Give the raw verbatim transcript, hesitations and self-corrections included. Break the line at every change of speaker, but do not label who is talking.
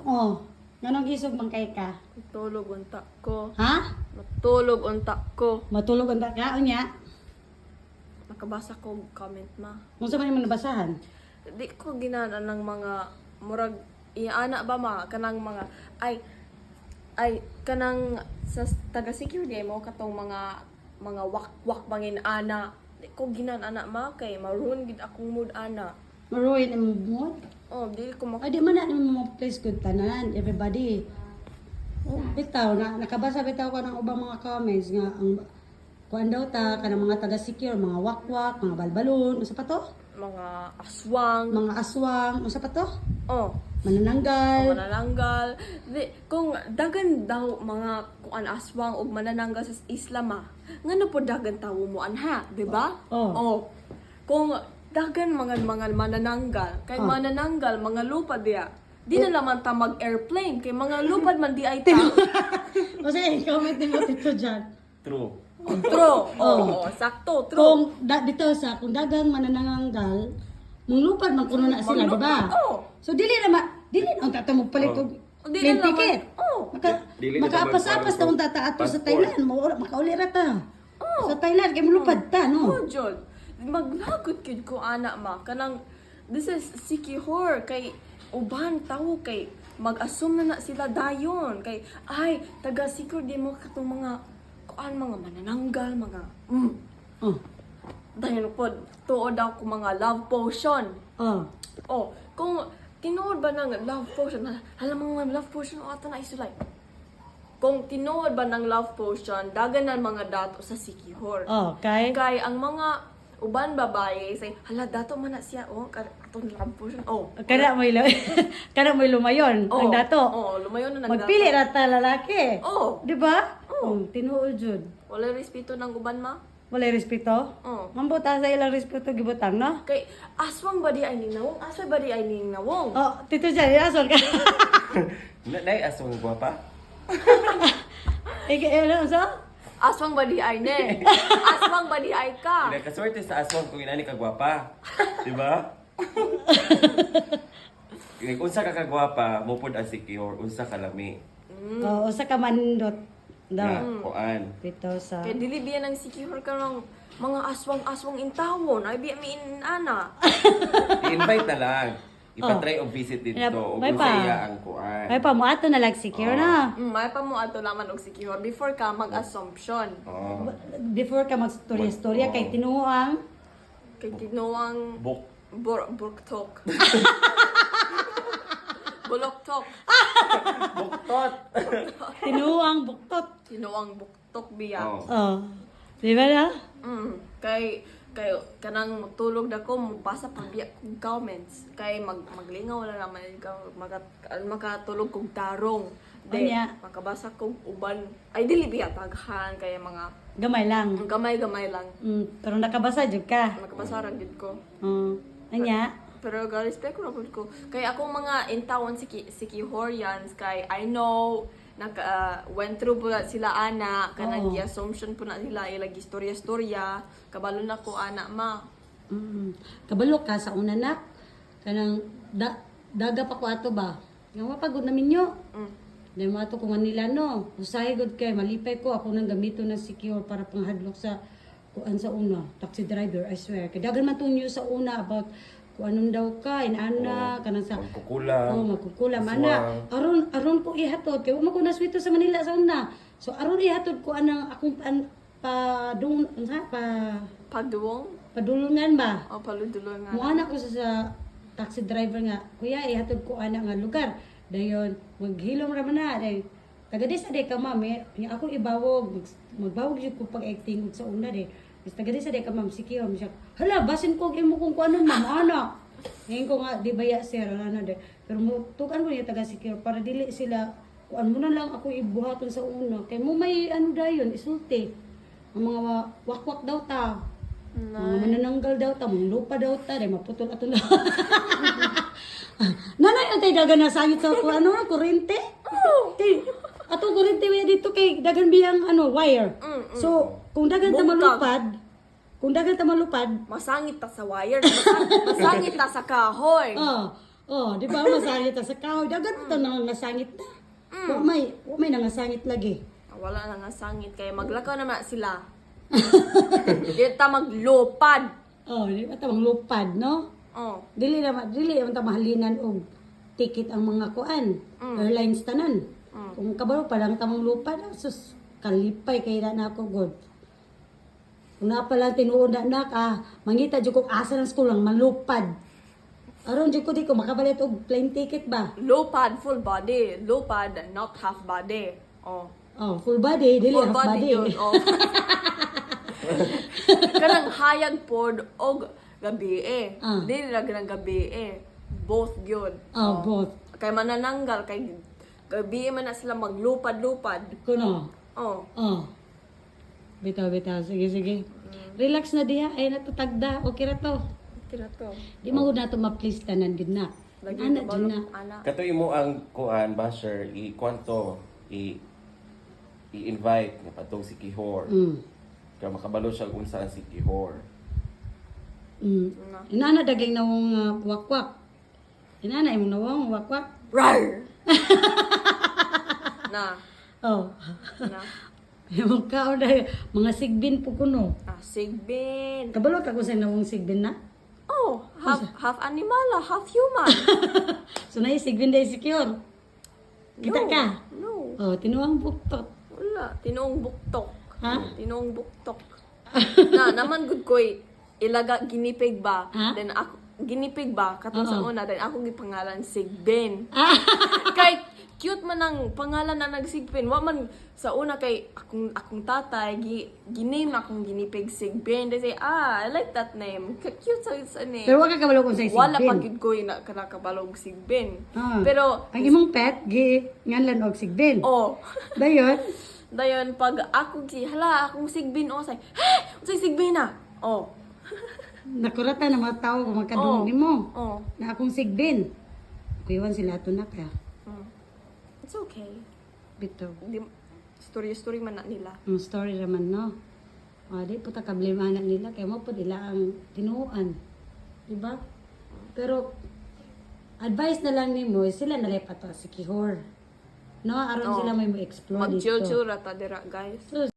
Oh, ganong isog man kay ka.
Matulog unta ko.
Ha?
Matulog unta ko.
Matulog ang ka unya.
Nakabasa ko comment ma.
Unsa man imong nabasahan?
Di ko ginana ng mga murag iana ba ma kanang mga ay ay kanang sa taga security mo katong mga mga wak-wak bangin ana. Di ko ginan ana ma kay maroon gid akong mood ana.
Maruin imong mood.
Oh, di ko mak
Ay, di man na mo place good tanan, everybody. Oh, bitaw na nakabasa bitaw ko ng ubang mga comments nga ang kuan daw ta kanang mga taga-secure, mga wakwak, mga balbalon, unsa pa to?
mga aswang.
Mga aswang, unsa pa to?
Oh,
Manananggal.
manananggal. Di, kung dagan daw mga kuan aswang o manananggal sa Islam ah, ngano po dagan tawo mo anha, di ba?
Oh.
Oh. Kung dagan mga mga manananggal, kay
Oh.
manananggal mga lupad diya. Di na naman ta mag-airplane kay mga lupad man di ay ta.
O sige, comment din mo dito dyan.
True.
True. Oh, sakto, true.
Kung da, dito sa kung dagang manananggal, munglupad man kuno na sila, di ba?
Oh.
So dili na ma, dili na ang tata mo palit og
Oh, dili
plane
na naman.
ticket.
Oh.
Maka,
Dili na
makaapas-apas
naman
na tata ato sa
passport.
Thailand, mo makauli ra ta.
Oh.
Sa Thailand kay mulupad ta,
Oh,
no?
Jod. Maglagot kid ko ana ma. Kanang, this is sikihor. Kay, uban tao kay, mag-assume na na sila dayon. Kay, ay, taga-secure di mo katong mga, kuan mga manananggal, mga, mm.
Oh.
Dayon po, tuod daw ko mga love potion.
Oh.
Oh, kung tinuod ba ng love potion, hala mga love potion, o ato na isulay. Kung tinuod ba ng love potion, dagan na mga dato sa sikihor.
Oh, kay
Kay ang mga uban babae say hala dato man na siya oh kar- atong love potion oh
kada mo ilo kada mo lumayon
oh,
ang dato.
oh lumayo na nang
Magpili ra ta lalaki.
oh
Di ba?
Oh.
Oh, tinuod jud.
wala respeto ng uban ma
Wala respeto.
oh
Mambuta sa ilang respeto gibutang, no?
kay aswang ba di ay ninawong aswang ba di ay ninawong
Oh, tito dyan, asol ka.
Na nay aswang gwapa.
Ika, ano, so?
aswang ba di ay ne aswang ba di ay ka
Ina kaswerte sa aswang kung inani ka gwapa. Di ba? Kung unsa ka kagwapa, mupod ang secure, unsa ka lami.
Oh, usa ka manindot.
Na,
Daw.
kuan.
Dito sa...
kay dili biya nang sikihor ka ng mga aswang-aswang intawon ay biya mi ana
I-invite na lang. Ipatry og visit dito.
May-
O
may
kung
pa.
sa iya ang kuan.
Ay pa mo ato na lang secure na.
mm, may pa mo ato laman og sikihor before ka mag-assumption
Oh.
Before ka mag-storya-storya kay tinuang
kay tinuang
Book.
Bur burktok. Buloktok.
Buktot.
tinuang buktot.
Tinuang buktok biya.
Oh.
Oh. Di ba na?
Mm. Kay kay kanang matulog dako mabasa pa biya kog comments. Kay mag maglingaw wala naman ikaw magat makatulog kog tarong. De,
Anya.
makabasa kog uban. Ay dili biya taghan kay mga
Gamay lang.
ang gamay-gamay lang.
Mm, pero nakabasa jud ka.
Makabasa ra gid ko.
Oh. Anya.
Pero ga respect ko na po ko. Kay akong mga intawon si si Kihorians kay I know naka uh, went through po na sila ana kanang
Oo.
gi-assumption po na sila ilang istorya-istorya kabalo na ko ana ma.
Mm. Kabalo ka sa una nak. Kanang da, daga pa ko ato ba? Nga mapagod na minyo.
Mm.
Dahil mga to kung nila no. Usahay good kay malipay ko ako nang gamito na secure para panghadlok sa kuan sa una. Taxi driver, I swear. Kaya dagan man tong news sa una about kung anong daw ka, inana,
Oh,
kanang sa...
magkukulam,
Oh, magkukulam.
aswang.
Ana, aron, aron ko ihatod. Kaya wala ko naswito sa Manila sa una. So, aron ihatod ko anang akong pan, pa, dung, ha, pa,
Paduwong
padulungan ba?
o paludulong nga.
Muana ko sa, sa taxi driver nga, kuya, ihatod ko ana nga lugar. Dayon, maghilom ra man na. Dayon, taga di sa day ka ma'am, eh, nga ako ibawog, mag, magbawog yun ko pag-acting sa una de. Tapos taga di sa day ka ma'am, si Kiyo, siya, hala, basin ko imo kung kuano ma'am, ana. Ngayon ko nga, di baya sir, ano de. Pero tukan ko niya taga si Kiyo, para dili sila, kuan mo na lang ako ibuhaton sa una. Kaya mo may ano dayon, isulti. Ang mga wakwak daw ta. Mga manananggal daw ta, mga lupa daw ta, dahil maputol ato na. Nanay, ang tayo dagan na sangit sa ano, kurente? Oh. Ato kurente wala dito kay dagan biyang ano, wire.
Mm, mm.
So, kung dagan ta
Bungkag.
malupad, kung dagan ta malupad,
Masangit ta sa wire, masangit, masangit ta sa kahoy.
oh, Oh, di ba masangit ta sa kahoy. Dagan to nang nasangit na. Wa may, wa may nangasangit lagi.
Ah, wala na nga sangit kaya maglakaw naman sila. Di ta maglupad.
Oh, di ba tamang lupad, no?
Oh.
Dili naman, dili naman ta mahalinan og ticket ang mga kuan.
Mm.
Airlines tanan.
Mm.
Kung kabalo pa lang tamang lupad, ah, sus kalipay kay na ako god. Kung na pala tinuod na anak, ah, mangita jud ko asa ng school lang malupad. Aron jud ko di ko makabalit og plane ticket ba?
Lupad, full body. Lupad, not half body. Oh.
Oh, full body, dili
Full
half body.
yun. Oh. Kanang hayag pod og gabi eh.
Ah.
Dili ra ganang gabi eh. Both yun.
Oh, both.
Kay manananggal kay gabi man na sila maglupad-lupad.
Kuno.
Oh.
Oh. Bitaw, bitaw. Sige, sige. Relax na diha. Ay, natatagda. Okay ra to.
Tira to.
Di mo na to ma-please tanan gid na.
Lagi
Ana
ko
dyan na.
anak.
Katoy mo ang kuan basher i kwanto i i-invite nga patong si Kihor.
Mm.
Kaya makabalo siya kung saan si Kihor.
Mm. Inana dagay na wong uh, wakwak. Inana imo na wong wakwak.
Rar! na.
Oh.
Na.
Yung kao dahil mga sigbin po kuno.
Ah, sigbin.
Kabalo ka kung saan na wong sigbin na?
Oh, half half animal, ah, half human.
So na sigbin dahil secure. Kita
No.
ka?
No.
Oh, tinuang buktot.
Wala, tinuong buktok.
Ha?
Tinuong buktok. na, naman good koy ilaga ginipig ba?
Ha?
Then ako ginipig ba katong sa
Oo.
una then ako gipangalan Sigbin.
Ah!
Kay cute man ang pangalan na nagsigbin. Wa man sa una kay akong akong tatay gi giname akong ginipig Sigbin. They say, "Ah, I like that name. Ka- Cute sa sa name."
Pero wag ka kabalo kung saan sigbin.
Wala pa gid koy na kanakabalog Sigbin.
Ah.
Pero
Ang imong pet, gi, nganlan og sigbin.
oh,
Dayon,
dayon pag ako gi hala akong Sigbin o say, "Ha, unsay Sigbin na?" Oh.
nakurata na mga tao kung magkadungog
Oh.
nimo.
Oh.
Na akong sigbin. Kuyawan sila ato na ka.
Mm. It's okay.
Bito.
Di, story-story man na nila.
Ang story naman, no? O, di po ta kablema na nila. Kaya mo po nila ang tinuan. Diba? Pero, advice na lang ni mo, sila nalipat to si Kihor. No? Aron
Oh.
sila may mo-explore dito.
Mag-chill-chill rata dira, guys.
So,